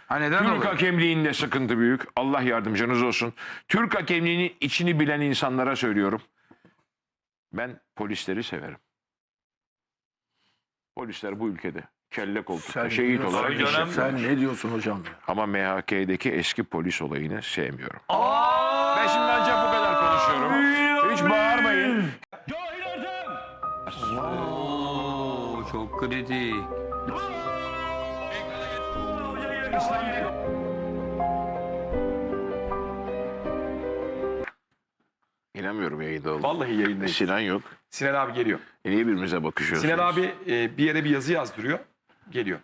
Ha, neden Türk oluyor? hakemliğinde sıkıntı büyük. Allah yardımcınız olsun. Türk hakemliğinin içini bilen insanlara söylüyorum. Ben polisleri severim. Polisler bu ülkede kelle koltukta şehit olarak Tabii canım. yaşıyor. Sen ne diyorsun hocam? Ama MHK'deki eski polis olayını sevmiyorum. Ben şimdi ancak bu kadar konuşuyorum. Hiç bağırmayın. Oo, çok kritik. İnanmıyorum yayında oldum. Vallahi yayındayız. Sinan yok. Sinan abi geliyor. Niye birbirimize bakışıyorsunuz? Sinan abi bir yere bir yazı yazdırıyor. Geliyor.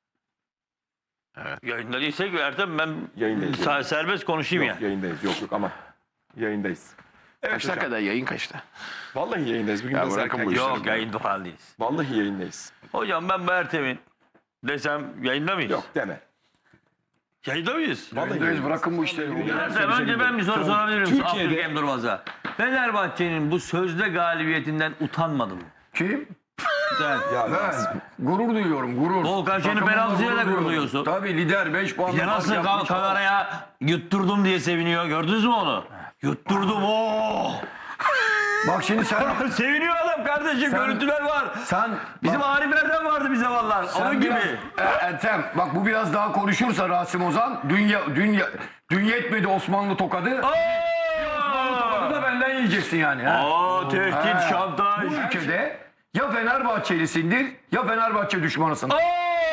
Yayında değilsek Ertem ben Yayındayız. serbest konuşayım ya. Yok, yayındayız. Yok ama yayındayız. Evet Kaçta hocam. kadar yayın kaçta? Vallahi yayındayız. Bugün Ya biraz bırakın erken bu işleri. geçtik. Yok yayında falan değiliz. Vallahi yayındayız. Hocam ben bu Ertem'in desem yayında mıyız? Yok deme. Yayında mıyız? Vallahi Yayındayız, yayındayız. bırakın bu işleri. Ertem önce ben bir soru sorabilir miyim? Türkiye'de- Abdülkerim Durmaz'a. Fenerbahçe'nin bu sözde galibiyetinden utanmadı mı? Kim? Sen. Ya, Ben gurur duyuyorum, gurur. Volkan Şen'i Takımımla penaltısıyla da gurur duyuyorum. duyuyorsun. Tabii lider 5 puan. Ya nasıl kameraya yutturdum diye seviniyor. Gördünüz mü onu? Yutturdum o. Bak şimdi sen Seviniyor adam kardeşim. Görüntüler var. Bizim Arif Erdem vardı bize vallahi. Onun gibi. Ertem bak bu biraz daha konuşursa Rasim Ozan dün yetmedi Osmanlı tokadı. Tokadı da benden yiyeceksin yani. Ha? Aa, tehdit, şantaj. Bu ülkede ya Fenerbahçelisindir ya Fenerbahçe düşmanısın. Aa!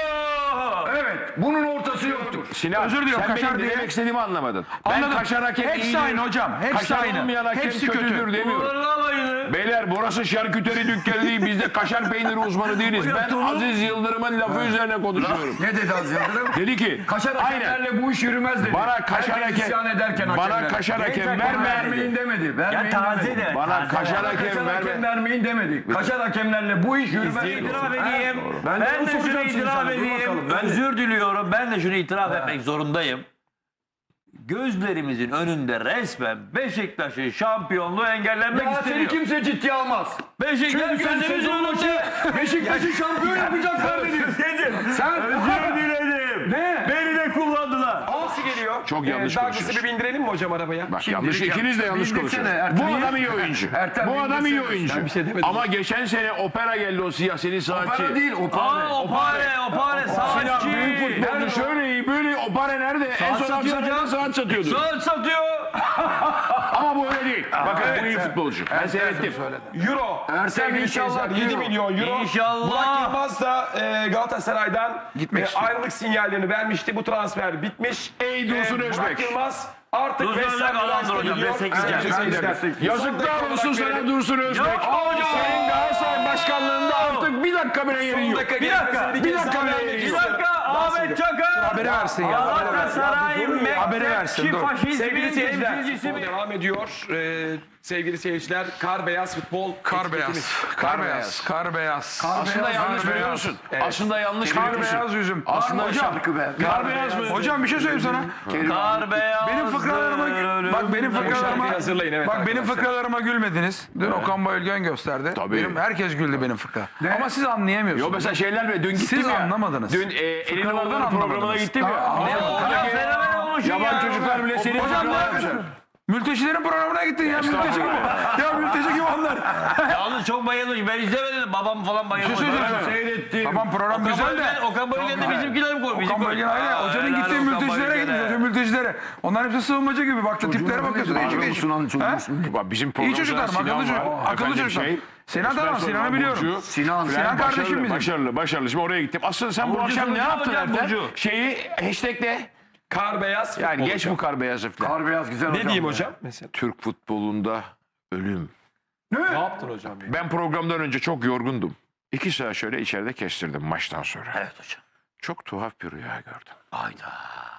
Evet bunun ortası yoktur. Sinan, Özür diliyorum, sen kaşar benim diye- demek istediğimi anlamadın. Anladım. Ben kaşar hakem Hepsi iyidir. aynı hocam, hepsi kaşar aynı. olmayan hakem Hepsi kötüdür kötü. demiyorum. Uğurlamayın. Beyler burası şarküteri dükkanı değil. Biz de kaşar peyniri uzmanı değiliz. Ben Aziz Yıldırım'ın lafı üzerine konuşuyorum. Ne dedi Aziz Yıldırım? Dedi ki Kaşar aynen. hakemlerle bu iş yürümez dedi. Bana kaşar Herkes isyan hakem ederken bana hakemlere. kaşar hakem Vermeyin verme. demedi. Ya Vermeyin taze demedi. de. Bana taze. kaşar Kaşar hakem hakem verme. vermeyin demedi. Kaşar hakemlerle bu iş yürümez. İtiraf edeyim. Ben Ben de de şunu soracağım şimdi itiraf sana, dur edeyim. bakalım, ben de. Özür diliyorum. Ben de şunu itiraf etmek zorundayım. Gözlerimizin önünde resmen Beşiktaş'ın şampiyonluğu engellenmek Ya seni isteniyor. kimse ciddiye almaz. Beşiktaş Çünkü sen gözlerimizin sezon başı önünde. Beşiktaş'ı şampiyon yapacaklar dedin. Sen Özür diledim. Ne? Beni de kullandılar. Nasıl geliyor? Çok yanlış Douglas'ı konuşuyorsun. bir bindirelim mi hocam arabaya? Bak yanlış, ikiniz de yanlış Bildirsene konuşuyorsunuz. Ertem. Bu adam iyi oyuncu. Ertem, Bu adam iyi bildirsene. oyuncu. Ben bir şey demedim. Ama geçen sene opera geldi o siyaseli saatçi. Para değil o para. Aa, Opare, Sinan büyük saatçi. futbolcu şöyle iyi böyle opera nerede? En son satıyor Aksaray'da hocam. saat satıyordu. Saat satıyor. Ama bu öyle değil. Bakın bu iyi futbolcu. Ben seyrettim. Euro. Ertem Sevgili inşallah seyirciler, 7 euro. milyon euro. İnşallah. Burak Yılmaz da Galatasaray'dan Gitmek istiyor. ayrılık sinyallerini vermişti. Bu transfer bitmiş. Ey Dursun Özbek. Burak Yılmaz artık Dursun West Ham Özbek alandır United'a hocam, gidiyor. destekleyeceğim. Sevgili seyirciler. Yazıklar olsun sana verelim. Dursun Özbek. Yapma hocam. Senin Galatasaray başkanlığında artık bir dakika bile yerin yok. Bir dakika. Bir dakika bile Bir yerin yok. dakika Ahmet Çakar. Haberi versin ya. Galatasaray Haberi versin, Mektepçi dur. faşizmin Sevgili seyirciler, temsilcisi mi? devam ediyor. Sevgili seyirciler, kar beyaz futbol Kar etiketimiz. beyaz. Kar beyaz. Kar beyaz. Aslında yanlış kar biliyor beyaz. musun? Aslında yanlış Kar biliyor musun? beyaz yüzüm. Aslında hocam. Kar beyaz mı? Hocam bir şey söyleyeyim sana. Kar beyaz. Benim fıkralarıma bak benim fıkralarıma hazırlayın, evet bak benim arkadaşlar. fıkralarıma gülmediniz. Dün Okan Bayülgen gösterdi. Tabii. Benim herkes güldü benim fıkra. Ama siz anlayamıyorsunuz. Yo mesela şeyler mi? Dün gittim Siz ya. anlamadınız. Dün Elin Fıkralardan Oğlan'ın programına anlamadınız. gittim ya. Ya Oradaki fenomen olmuşsun yabancı ya. çocuklar bile senin Hocam ne fıkralar yapıyorsun? yapmışlar. Mültecilerin programına gittin ya mülteci gibi. Ya mülteci gibi onlar. Yalnız çok bayılmış. Ben izlemedim. Babam falan bayılmış. Seyrettim. Tamam program güzel de. Okan Bayülgen de bizimkiler mi koymuş? Okan Bayülgen aile. Hocanın gittiği mültecilere gitmiş. Hoca mültecilere. Onların hepsi sığınmacı gibi. Baktı tiplere bakıyorsun. Değişik değişik. Bak bizim İyi programda çocuklar, Sinan akıllı çocuk. var. Akıllı Efendim çocuklar. Sinan espresso tamam, Sinan'ı var, biliyorum. Burcu. Sinan Sinan kardeşim bizim. Başarılı. Şimdi oraya gittim. Aslında sen bu akşam ne yaptın hocam, Ertem? Burcu. Şeyi hashtagle. Kar beyaz futbol. Yani geç bu kar beyazı falan. Kar beyaz güzel Ne diyeyim hocam? Mesela. Türk futbolunda ölüm. Ne yaptın hocam? Ben programdan önce çok yorgundum. 2 saat şöyle içeride kestirdim maçtan sonra. Evet hocam. Çok tuhaf bir rüya gördüm. Hayda.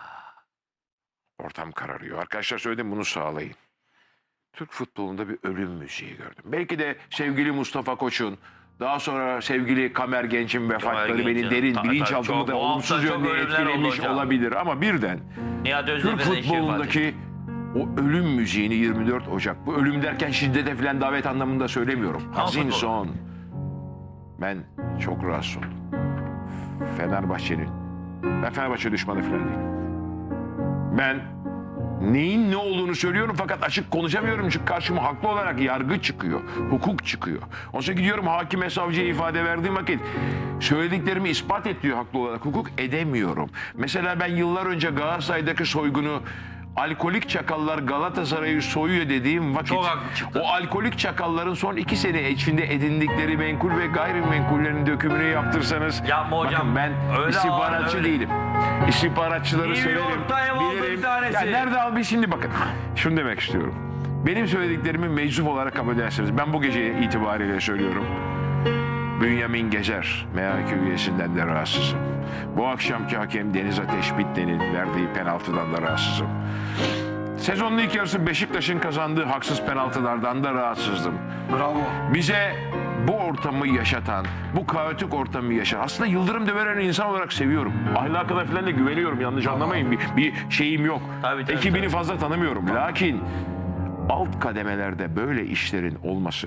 Ortam kararıyor. Arkadaşlar söyledim bunu sağlayın. Türk futbolunda bir ölüm müziği gördüm. Belki de sevgili Mustafa Koç'un, daha sonra sevgili Kamer Genç'in vefatları Genç'in, beni derin tabii, bilinçaltımı çok da bu hafta olumsuz çok yönde ölümler oldu etkilemiş hocam. olabilir. Ama birden Nihat Türk Özdemir'in eşi futbolundaki o ölüm müziğini 24 Ocak, bu ölüm derken şiddete falan davet anlamında söylemiyorum. Hazin futbol. son. Ben çok rahatsız oldum. Fenerbahçe'nin, ben Fenerbahçe düşmanı falan değilim. Ben neyin ne olduğunu söylüyorum fakat açık konuşamıyorum çünkü karşıma haklı olarak yargı çıkıyor, hukuk çıkıyor. Ondan sonra gidiyorum hakime, savcıya ifade verdiğim vakit söylediklerimi ispat et diyor haklı olarak, hukuk edemiyorum. Mesela ben yıllar önce Galatasaray'daki soygunu alkolik çakallar Galatasaray'ı soyuyor dediğim vakit Çok haklı çıktı. o alkolik çakalların son 2 sene içinde edindikleri menkul ve gayrimenkullerin dökümünü yaptırsanız Yapma hocam. bakın ben Öyle istihbaratçı öyle. değilim. İstihbaratçıları New severim. York Times oldu bir tanesi. Ya nerede abi şimdi bakın. Şunu demek istiyorum. Benim söylediklerimi meczup olarak kabul edersiniz. Ben bu gece itibariyle söylüyorum. Bünyamin Gezer, MHK üyesinden de rahatsızım. Bu akşamki hakem Deniz Ateş Bitne'nin verdiği penaltıdan da rahatsızım. Sezonun ilk yarısı Beşiktaş'ın kazandığı haksız penaltılardan da rahatsızdım. Bravo. Bize bu ortamı yaşatan, bu kaotik ortamı yaşatan, aslında Yıldırım Demirören'i insan olarak seviyorum. Ahlakına falan da güveniyorum, yanlış anlamayın. Bir şeyim yok. Tabii, Ekibini fazla tanımıyorum. Lakin alt kademelerde böyle işlerin olması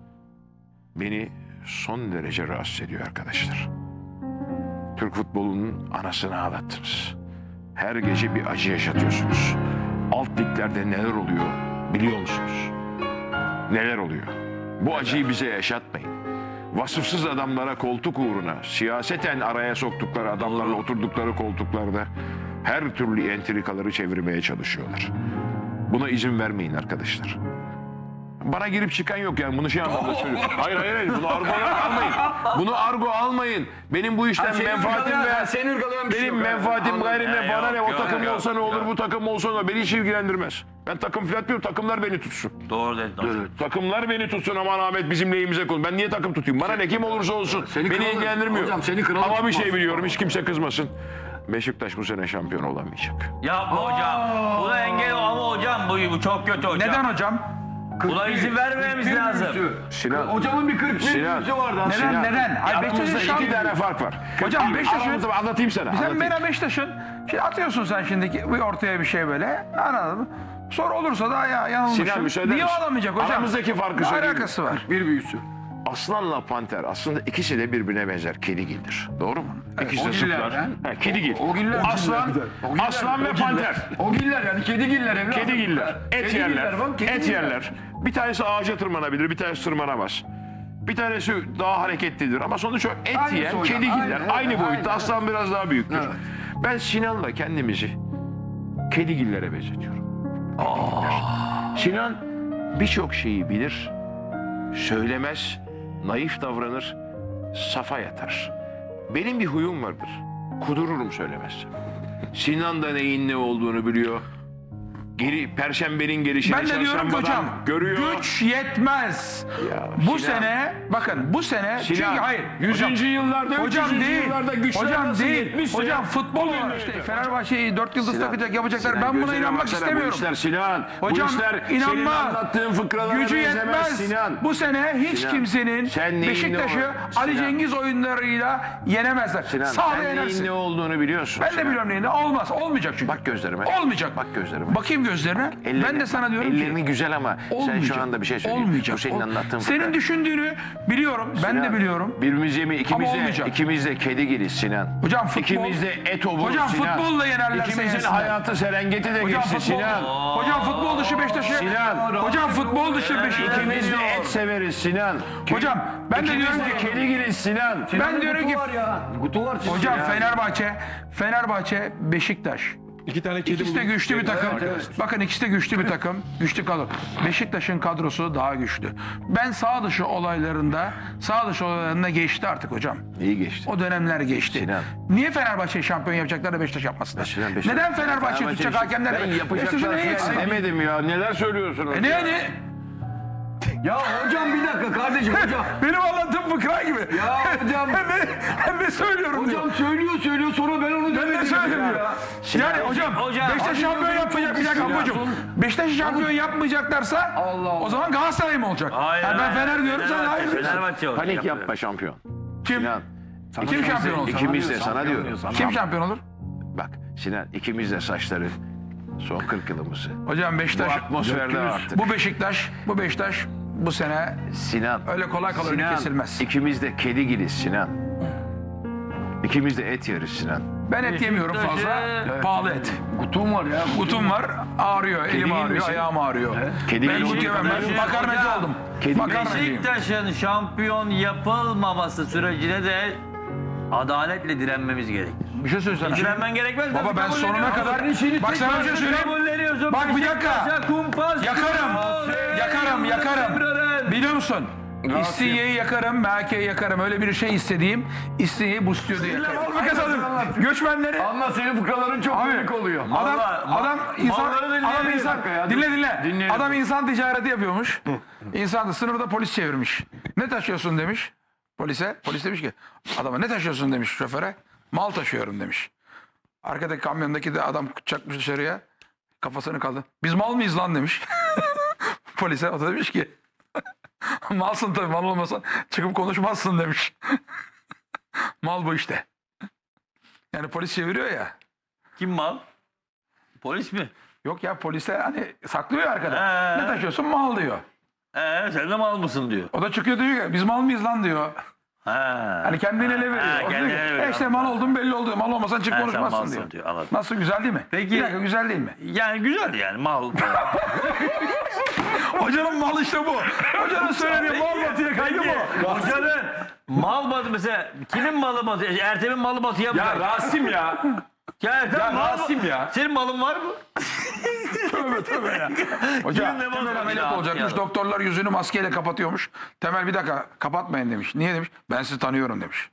beni son derece rahatsız ediyor arkadaşlar. Türk futbolunun anasını ağlattınız. Her gece bir acı yaşatıyorsunuz. Alt liglerde neler oluyor biliyor musunuz? Neler oluyor? Bu acıyı bize yaşatmayın. Vasıfsız adamlara koltuk uğruna, siyaseten araya soktukları adamlarla oturdukları koltuklarda her türlü entrikaları çevirmeye çalışıyorlar. Buna izin vermeyin arkadaşlar. Bana girip çıkan yok yani bunu şey anlamda söylüyorum. Hayır bunu argo olarak almayın. Bunu argo almayın. Benim bu işten menfaatim benim menfaatim bana ne o takım olsa ne olur bu takım olsa ne olur beni hiç ilgilendirmez. Ben takım filan diyorum takımlar beni tutsun. Doğru dedin hocam. Takımlar beni tutsun aman Ahmet bizim lehimize konu. Ben niye takım tutayım? Bana ne kim olursa olsun. Beni ilgilendirmiyor. Hocam seni kralı Ama bir şey tutmaz. biliyorum hiç kimse kızmasın. Beşiktaş bu sene şampiyon olamayacak. Yapma hocam. Buna engel ama hocam bu çok kötü hocam. Neden hocam? Buna izin vermememiz lazım. Sinan. Hocamın bir 41 Sinan. yüzü vardı. Neden? Sinan, Neden? Ay, aramızda Beşiktaş'ın 2 şampiyon. tane fark var. Hocam Beşiktaş'ın- Aramızda anlatayım sana. Sen anlatayım. Bera Beşiktaş'ın şimdi atıyorsun sen şimdiki bir ortaya bir şey böyle. Anladın mı? Sonra olursa da ya Sinan yanılmışım. müsaade Niye misin? alamayacak hocam? Aramızdaki farkı Ne söyleyeyim. alakası var? Bir büyüsü. Aslanla panter aslında ikisi de birbirine benzer. Kedigildir. Doğru mu? İkisi de o giller zıplar. ha? Ha, kedigil. O giller. Aslan, O giller, aslan ve o giller. panter. O giller yani kedigiller evladım. Kedigiller. Et Kedigiller yerler. bak, Et kedigiller. yerler. Bir tanesi ağaca tırmanabilir, bir tanesi tırmanamaz. Bir tanesi daha hareketlidir ama sonuç o et Aynı yiyen soydan, kedigiller. aynı, Aynı evet, boyutta. aynı, Aslan biraz daha büyüktür. Evet. Ben Sinan'la kendimizi kedigillere benzetiyorum. Sinan birçok şeyi bilir, söylemez, naif davranır, safa yatar. Benim bir huyum vardır. Kudururum söylemezsem. Sinan da neyin ne olduğunu biliyor. Perşembenin gelişini Ben de diyorum ki çarşambadan hocam görüyor. güç yetmez. Ya Bu Sinan- sene bakın bu sene çünkü Sinan, hayır 100. yıllarda, hocam 300. değil. yıllarda güçler Hocam nasıl değil. yetmişse- Hocam futbol olarak işte Fenerbahçe'yi 4 yıldız takacak yapacaklar. Sinan, Ben buna gözüne inanmak baksana, istemiyorum. Bu işler Sinan. Hocam bu işler senin inanma. anlattığın fıkralara Gücü benzemez yetmez. Sinan. Bu sene hiç Sinan, kimsenin sen neyin ne Beşiktaş'ı olur? Ali Sinan. Cengiz oyunlarıyla yenemezler. Sinan Sağda sen neyin yenersin. ne olduğunu biliyorsun. Ben de Sinan. biliyorum neyini. Olmaz. Olmayacak çünkü. Bak gözlerime. Olmayacak. Bak gözlerime. Bakayım gözlerine. Ben de sana diyorum ki. Ellerini güzel ama sen şu anda bir şey söyleyeyim. Olmayacak. Bu senin anlattığın Senin fıkra. düşündüğünü biliyorum. Ben de biliyorum. Birbirimize mi? olmayacak. İkimiz de kedi giriz Sinan. Hocam futbol- İkimiz de et obur Hocam Sinan. futbolla yenerlerse İkimizin yensinler. hayatı Serengeti'de Hocam geçti futbol, Sinan. hocam futbol dışı Beşiktaş'ı. Sinan. Hocam futbol dışı Beşiktaş'ı. İkimiz de et severiz Sinan. Hocam ben de İkimiz diyorum de ki. kedi giriz Sinan. Ben diyorum ki. Kutu var sizin Hocam ya. Fenerbahçe, Beşiktaş. 2 tane kedi İkisi de buldum. güçlü bir takım. Bakın ikisi de güçlü bir takım. Güçlü kadro. Beşiktaş'ın kadrosu daha güçlü. Ben sağ dışı olaylarında geçti artık hocam. İyi geçti. O dönemler geçti. Sinan. Niye Fenerbahçe şampiyon yapacaklar da Beşiktaş yapmasınlar? Sinan, Neden Fenerbahçe'yi tutacak hakemler? Ben Beşiktaş'ın yapacaklar ne eksiği falan var? demedim ya. Neler söylüyorsunuz? Ne? Ya hocam bir dakika kardeşim hocam. Benim anlattığım fıkra gibi. Ya hocam. Ben ne söylüyorum diyor. Hocam söylüyor sonra ben onu Ben ne demedim söylüyorum ya. Yani hocam Beşiktaş şampiyon yapmayacak bir dakika hocam. Beşiktaş şampiyon yapmayacaklarsa Allah. o zaman Galatasaray mı olacak? Hayır, Yani ben Fener diyorum sen hayır diyorsun. Fenerbahçe olacak. Panik yapma şampiyon. Kim? Sinan. Kim şampiyon olacak? İkimiz de sana diyorum. Kim şampiyon olur? Bak Sinan ikimiz de saçları son 40 yılımızı. Hocam Bu Beşiktaş atmosferde arttık. bu Beşiktaş bu sene Sinan. öyle kolay önü kesilmez. İkimiz de kedi giriz Sinan. İkimiz de et yeriz Sinan. Ben et yemiyorum fazla. Pahalı et. Kutum var ya. Kutum var, ağrıyor, elim ağrıyor, misin? ayağım ağrıyor. Kedi Ben misin? gut yemem. Ben makarnacı oldum. Makarnacıyım. Beşiktaş'ın şampiyon yapılmaması sürecine de adaletle direnmemiz gerekir. Bir şey söylesene. Direnmen gerekmez. Baba ben sonuna kadar... Bak sana bir şey söyleyeyim. Bak bir dakika. Yakarım. Biliyor musun? İstiye'yi yakarım, MHK'yi yakarım. Öyle bir şey istediğim, İstiye'yi bu stüdyoda yakarım. Bir kazandım. Göçmenleri... Anla senin fıkraların çok komik oluyor. Adam insan dinle. Dinleyelim. Adam insan ticareti yapıyormuş. İnsan sınırda polis çevirmiş. Ne taşıyorsun demiş polise. Polis demiş ki adama ne taşıyorsun demiş şoföre. Mal taşıyorum demiş. Arkadaki kamyondaki de adam çakmış dışarıya. Kafasını kaldı. Biz mal mıyız lan demiş. Polise o da demiş ki malsın tabii, mal olmasan çıkıp konuşmazsın demiş. Mal bu işte. Yani polis çeviriyor ya. Kim mal? Polis mi? Yok ya polise hani saklıyor arkada. Ne taşıyorsun? Mal diyor. Sen de mal mısın diyor. O da çıkıyor diyor ki biz mal mıyız lan diyor. Hani kendini ele veriyor. O kendini diyor ki, ele veriyor. işte mal oldun belli oldu. Mal olmasan çık Sen konuşmazsın malsın diyor. diyor, anladım. Nasıl, güzel değil mi? Peki- Bir dakika, güzel değil mi? Yani güzel yani mal. Hocanın malı işte bu. Hocanın söylediği mal batıya kaydı bu. Hocanın mal batı mesela kimin malı batı? Ertem'in malı batıya mı? Ya Rasim ya. Ya Ertem Ya mal Rasim ya. Senin malın var mı? Tövbe ya. Hoca Kimin ne malı Temel var? ameliyat Ya, olacakmış. ya. Doktorlar yüzünü maskeyle kapatıyormuş. Temel bir dakika kapatmayın demiş. Niye demiş? Ben sizi tanıyorum demiş.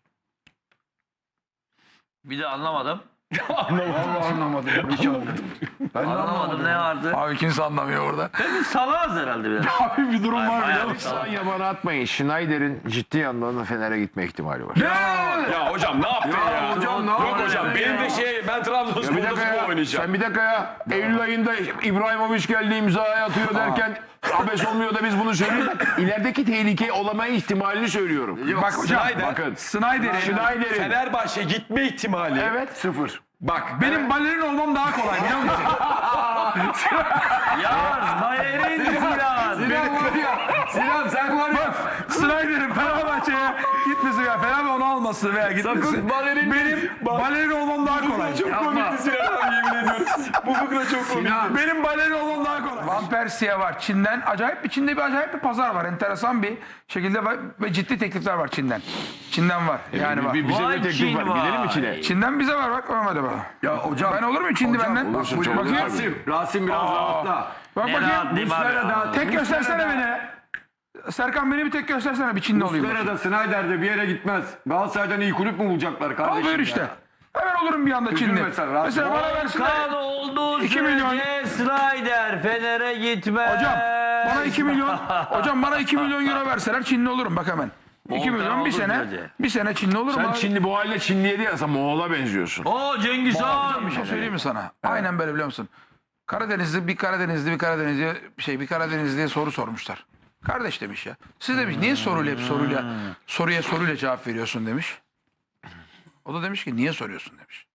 Bir de anlamadım. Vallahi anlamadım. Hiç anlamadım. Ben de Anlamadım ne vardı? Abi kimse anlamıyor orada. Biz salağız herhalde biraz. Abi bir durum var biliyor musun? Sen yabana atmayın. Schneider'in ciddi anlamda Fener'e gitme ihtimali var. Ya hocam ne yaptın ya? hocam, ne Yok yaptın hocam ya? benim de ben Trabzonspor'da Bir dakika futbol ya. oynayacağım. Sen bir dakika ya. Eylül ayında İbrahimovic geldi imzaya atıyor derken abes olmuyor da biz bunu söylüyoruz. İlerideki tehlike olama ihtimalini söylüyorum. Bak hocam Snyder. Bakın. Snyder'in Fenerbahçe gitme ihtimali. Evet. Sıfır. Bak benim balerin olmam daha kolay biliyor musun? Yaz, Bayer'in Sinan. Sinan sen var ya. Snyder'in Fenerbahçe'ye gitmesi veya Fenerbahçe onu alması veya gitmesi. Sakın balerin- Benim balerin olmam daha kolay. çok komikti Sinan abi yemin ediyorum. Bu fıkra çok komik. Benim balerin olmam daha kolay. Van Persie var Çin'den. Çin'de bir acayip bir pazar var. Enteresan bir şekilde var ve ciddi teklifler var Çin'den. Çin'den var. Yani var. Bize Vay de teklif Çin var. var. Gidelim mi Çin'e? Çin'den bize var bak hadi bak. Ya hocam. Ben olur mu Çin'de benden? olursun, Bak, çok bakayım. olursun. Rasim biraz rahatla. Bak Ne bakayım. rahatlayayım abi. Muslera'da Tek göstersene beni. Serkan beni bir tek göstersene bir Çinli olayım. Muslera'da Snyder'de bir yere gitmez. Galatasaray'dan iyi kulüp mü bulacaklar kardeşim? Al buyur ya? işte. Hemen olurum bir anda Çinli. mesela, Rasim. Mesela bana versinler. Kan olduğu 2 milyon. sürece Snyder Fener'e gitmez. Hocam bana 2 milyon. Hocam bana 2 milyon euro verseler Çinli olurum bak hemen. 2 Volkan milyon bir olduğu sene. sürece. Bir sene Çinli olurum. Sen abi. Çinli bu haline Çinliye değil sen Moğol'a benziyorsun. O Cengiz Han. Bir şey söyleyeyim mi sana? Aynen böyle biliyor musun? Bir Karadenizli'ye soru sormuşlar. Kardeş demiş ya. Siz demiş niye soruya soruyla cevap veriyorsun demiş. O da demiş ki niye soruyorsun demiş.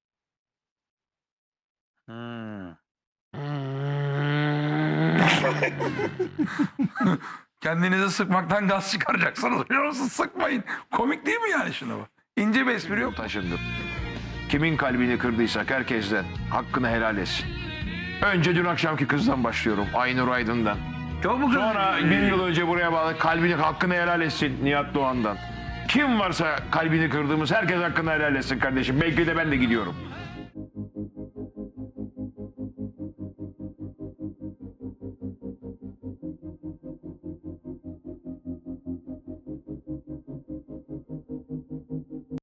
Kendinizi sıkmaktan gaz çıkaracaksınız biliyor musun? Sıkmayın. Komik değil mi yani şuna bak? İnce bir espri yok. Taşındım. Kimin kalbini kırdıysak herkesten hakkını helal etsin. Önce dün akşamki kızdan başlıyorum. Aynur Aydın'dan. Çok mu kızdın? Sonra bir yıl önce buraya bağlı kalbini hakkını helal etsin Nihat Doğan'dan. Kim varsa kalbini kırdığımız herkes hakkını helal etsin kardeşim. Belki de ben de gidiyorum.